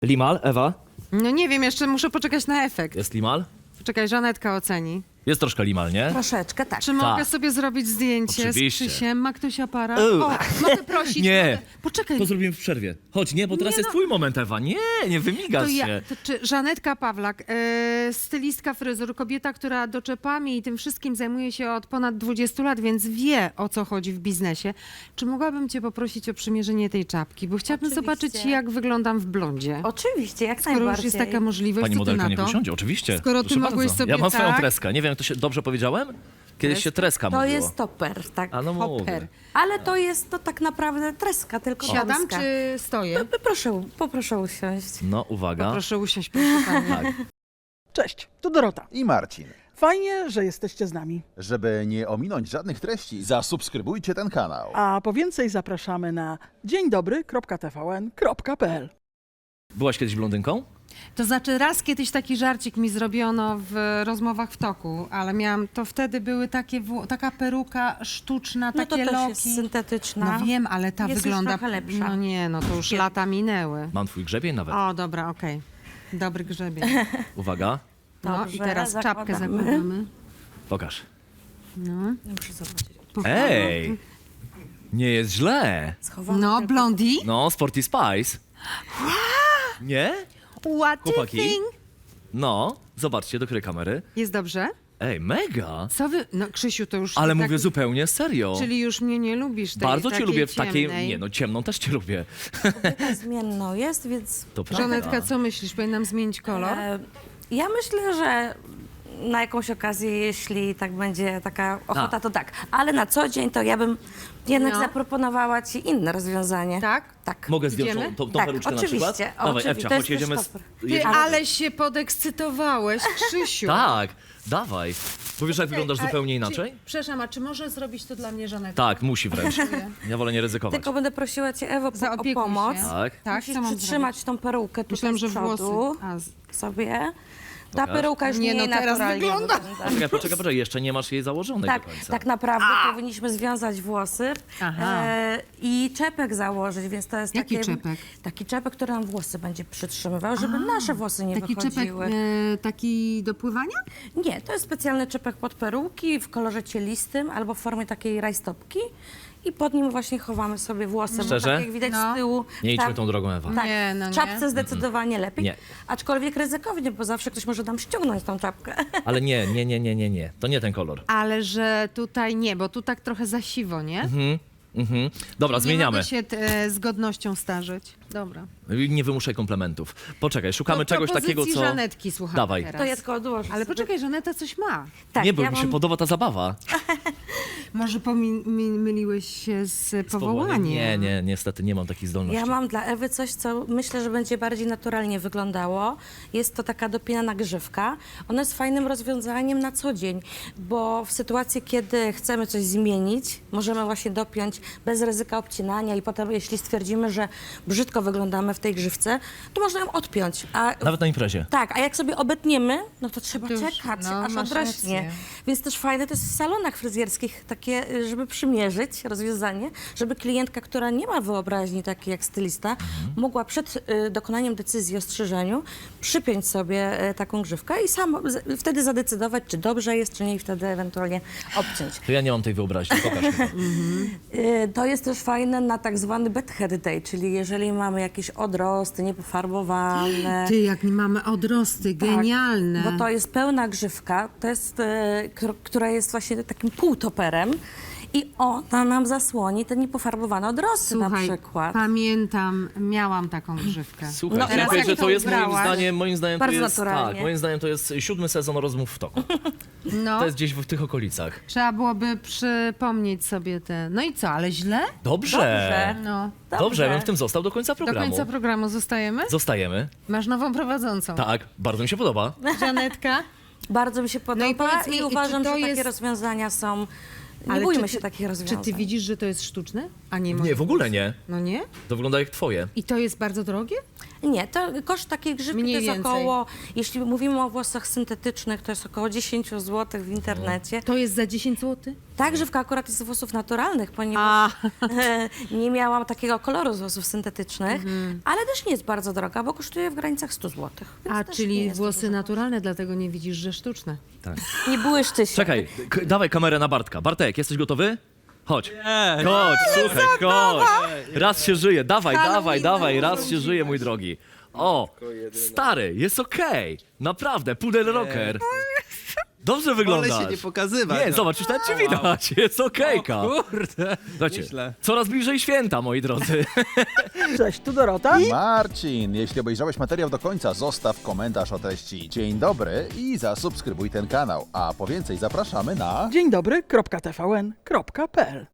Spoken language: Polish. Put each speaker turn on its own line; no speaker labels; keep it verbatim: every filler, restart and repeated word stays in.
Limal, Ewa?
No nie wiem, jeszcze muszę poczekać na efekt.
Jest limal?
Poczekaj, Żanetka oceni.
Jest troszkę limal, nie?
Troszeczkę, tak.
Czy mogę
Tak.
sobie zrobić zdjęcie
Oczywiście.
z Krzysiem? Ma ktoś aparat?
Ew.
O, mogę prosić?
Nie.
Mogę... Poczekaj.
To zrobimy w przerwie. Chodź, nie, bo teraz
Nie
jest
no.
twój moment, Ewa. Nie, nie wymigasz
To ja,
się.
to czy Żanetka Pawlak, e, stylistka fryzur, kobieta, która doczepami i tym wszystkim zajmuje się od ponad dwudziestu lat, więc wie, o co chodzi w biznesie. Czy mogłabym cię poprosić o przymierzenie tej czapki? Bo chciałabym
Oczywiście.
zobaczyć, jak wyglądam w blondzie.
Oczywiście, jak
Skoro już
najbardziej.
jest taka możliwość,
Pani
co ty
modelka
na
niech
to?
usiądzie, oczywiście.
Skoro ty
Proszę
mogłeś
bardzo.
sobie
Ja mam swoją
tak-
treskę. Nie wiem, jak to się dobrze powiedziałem? Kiedyś się treska
To
mówiło.
jest toper, tak.
A no
Hopper.
mówię.
Ale to jest to tak naprawdę treska, tylko
Siadam
damska.
czy stoję?
No, proszę, poproszę usiąść.
No, uwaga.
Proszę usiąść, proszę pani.
Tak.
Cześć, tu Dorota.
I Marcin.
Fajnie, że jesteście z nami.
Żeby nie ominąć żadnych treści, zasubskrybujcie ten kanał.
A po więcej zapraszamy na dzień dobry kropka t v n kropka p l.
Byłaś kiedyś blondynką?
To znaczy raz kiedyś taki żarcik mi zrobiono w rozmowach w toku, ale miałam, to wtedy były takie, wło- taka peruka sztuczna,
No to
takie
też
loki.
jest syntetyczna.
No wiem, ale ta
Jest już
wygląda...
trochę lepsza.
No nie, no to już
Świetnie.
lata minęły.
Mam twój grzebień nawet.
O, dobra, okej. Dobry grzebień.
Uwaga,
No
Dobrze,
i teraz czapkę
zakładamy.
zakładamy.
pokaż.
No.
Muszę zobaczyć.
Ej! Nie jest źle.
Schowane
No,
tylko-
blondi.
No, Sporty Spice. Nie?
What do you
Chłopaki?
think?
No, zobaczcie do której kamery.
Jest dobrze?
Ej, mega!
Co wy... No, Krzysiu, to już...
Ale
tak-
mówię zupełnie serio.
Czyli już mnie nie lubisz tej
Bardzo cię
takiej
lubię w takiej...
ciemnej.
Nie no, ciemną też cię lubię.
Taka zmienną jest, więc...
To prawda.
Żanetka, co myślisz? Powinnam zmienić kolor?
E, ja myślę, że na jakąś okazję, jeśli tak będzie taka ochota,
A.
to tak. Ale na co dzień to ja bym jednak
No.
zaproponowała ci inne rozwiązanie.
Tak?
Tak.
Mogę zdjąć
Idziemy?
tą, tą, tą
Tak,
peruczkę
oczywiście.
na przykład? Dawaj,
Oczywiście,
Ewcia,
to
chodź,
jest
jedziemy...
też
Z...
top.
Ty,
jedziemy-
ale się podekscytowałeś, Krzysiu.
Tak, dawaj. Bo wiesz, jak wyglądasz
A
zupełnie
czy-
inaczej?
Przepraszam, a czy może zrobić to dla mnie Żanetka?
Tak, musi wręcz. Ja wolę nie ryzykować.
Tylko będę prosiła cię, Ewo, po, o
Zaopiekuj
pomoc.
się.
Tak.
Tak,
Musisz
co mam
przytrzymać tą perukę tutaj
Myślałam, że
z przodu
włosy. A, z...
sobie. Ta
Pokaż.
peruka już
Nie,
nie,
no teraz
naturalnie
wygląda.
Poczekaj, poczekaj, poczekaj, jeszcze nie masz jej założonej
Tak,
do końca.
tak naprawdę powinniśmy związać włosy
Aha.
e, i czepek założyć, więc to jest
Jaki
takie,
czepek?
taki czepek, który nam włosy będzie przytrzymywał, żeby nasze włosy nie
Taki czepek
wychodziły.
e, taki do pływania?
Nie, to jest specjalny czepek pod peruki w kolorze cielistym albo w formie takiej rajstopki i pod nim właśnie chowamy sobie włosy,
Szczerze?
bo tak jak widać
No.
z tyłu.
Nie idźmy
tak,
tą drogą, Ewa.
Tak,
Nie, no
w
nie.
czapce zdecydowanie lepiej,
Nie.
aczkolwiek ryzykownie, bo zawsze ktoś może nam ściągnąć tą czapkę.
Ale nie, nie, nie, nie, nie, nie. To nie ten kolor.
Ale że tutaj nie, bo tu tak trochę za siwo, nie?
Mhm, mhm. Dobra,
Nie
zmieniamy.
mogę się e, z godnością starzeć. Dobra.
Nie wymuszaj komplementów. Poczekaj, szukamy
No,
czegoś takiego,
propozycji
co...
Żanetki słuchamy
Dawaj.
teraz.
To ja tylko odłożę
Ale
sobie.
poczekaj, Żaneta coś ma.
Tak,
nie, bo
ja
mi się
mam-
podoba ta zabawa.
Może pomi- mi- myliłeś się z powołaniem.
Nie, nie, niestety nie mam takich zdolności.
Ja mam dla Ewy coś, co myślę, że będzie bardziej naturalnie wyglądało. Jest to taka dopinana grzywka. Ona jest fajnym rozwiązaniem na co dzień, bo w sytuacji, kiedy chcemy coś zmienić, możemy właśnie dopiąć bez ryzyka obcinania i potem, jeśli stwierdzimy, że brzydko wyglądamy w tej grzywce, to można ją odpiąć. A
Nawet na imprezie.
tak, a jak sobie obetniemy, no to trzeba
To już,
czekać,
no,
aż
masz
odrośnie.
rację.
Więc też fajne to jest w salonach fryzjerskich takie, y, żeby przymierzyć rozwiązanie, żeby klientka, która nie ma wyobraźni takiej jak stylista,
Mhm.
mogła przed y, dokonaniem decyzji o strzyżeniu przypiąć sobie y, taką grzywkę i sam z, wtedy zadecydować, czy dobrze jest, czy nie i wtedy ewentualnie obciąć.
To ja nie mam tej wyobraźni, pokaż mi.
Y, To jest też fajne na tak zwany bed hair day, czyli jeżeli mamy jakieś odrosty niepofarbowane.
Ty, jak my mamy odrosty, genialne.
Tak, bo to jest pełna grzywka, to jest, e, k- która jest właśnie takim półtoperem i ona nam zasłoni te niepofarbowane odrosty na
Słuchaj,
przykład.
pamiętam, miałam taką grzywkę.
Słuchaj,
No,
chciałem
teraz
powiedzieć,
jak
że to
to
jest moim
ubrałaś?
zdaniem, moim zdaniem to
Bardzo
jest,
naturalnie.
tak, moim zdaniem to jest siódmy sezon rozmów w toku.
No,
To jest gdzieś w tych okolicach.
trzeba byłoby przypomnieć sobie te... No i co, ale źle?
Dobrze.
Dobrze.
No.
Dobrze, ja bym w tym został do końca
Do
programu.
końca programu zostajemy?
Zostajemy.
Masz nową prowadzącą.
Tak, bardzo mi się podoba.
Żanetka?
Bardzo mi się podoba
No i powiedz mi,
i
czy
uważam,
to
że takie
jest-
rozwiązania są... Nie
Ale
bójmy
czy
się
ty-
takich
Czy
rozwiązań.
ty widzisz, że to jest sztuczne? A nie,
Nie, w ogóle nie.
No nie?
To wygląda jak twoje.
I to jest bardzo drogie?
Nie, to koszt takiej grzywki
Mniej
to jest
więcej.
około, jeśli mówimy o włosach syntetycznych, to jest około dziesięć złotych w internecie.
To jest za dziesięć złotych?
Ta grzywka akurat jest z włosów naturalnych, ponieważ
A,
nie miałam takiego koloru z włosów syntetycznych,
Mhm.
ale też nie jest bardzo droga, bo kosztuje w granicach sto złotych. więc
a
też nie
czyli
jest to
włosy
dużo.
naturalne, dlatego nie widzisz, że sztuczne.
Nie błyszczy się.
Czekaj, k- dawaj kamerę na Bartka. Bartek, jesteś gotowy? Chodź. Chodź, słuchaj, chodź. Raz się żyje, dawaj, dawaj, dawaj, raz się żyje, mój drogi. O, stary, jest okej. Naprawdę, pudel rocker. Dobrze wyglądasz.
Wolę się nie pokazywać.
Nie,
no.
zobacz, już nawet cię widać, jest okejka.
Kurde.
Słuchajcie,
Nieźle.
coraz bliżej święta, moi drodzy.
Cześć, tu Dorota.
Marcin, jeśli obejrzałeś materiał do końca, zostaw komentarz o treści dzień dobry i zasubskrybuj ten kanał. A po więcej zapraszamy na...
Dzień dobry, kropka T V N, kropka P L.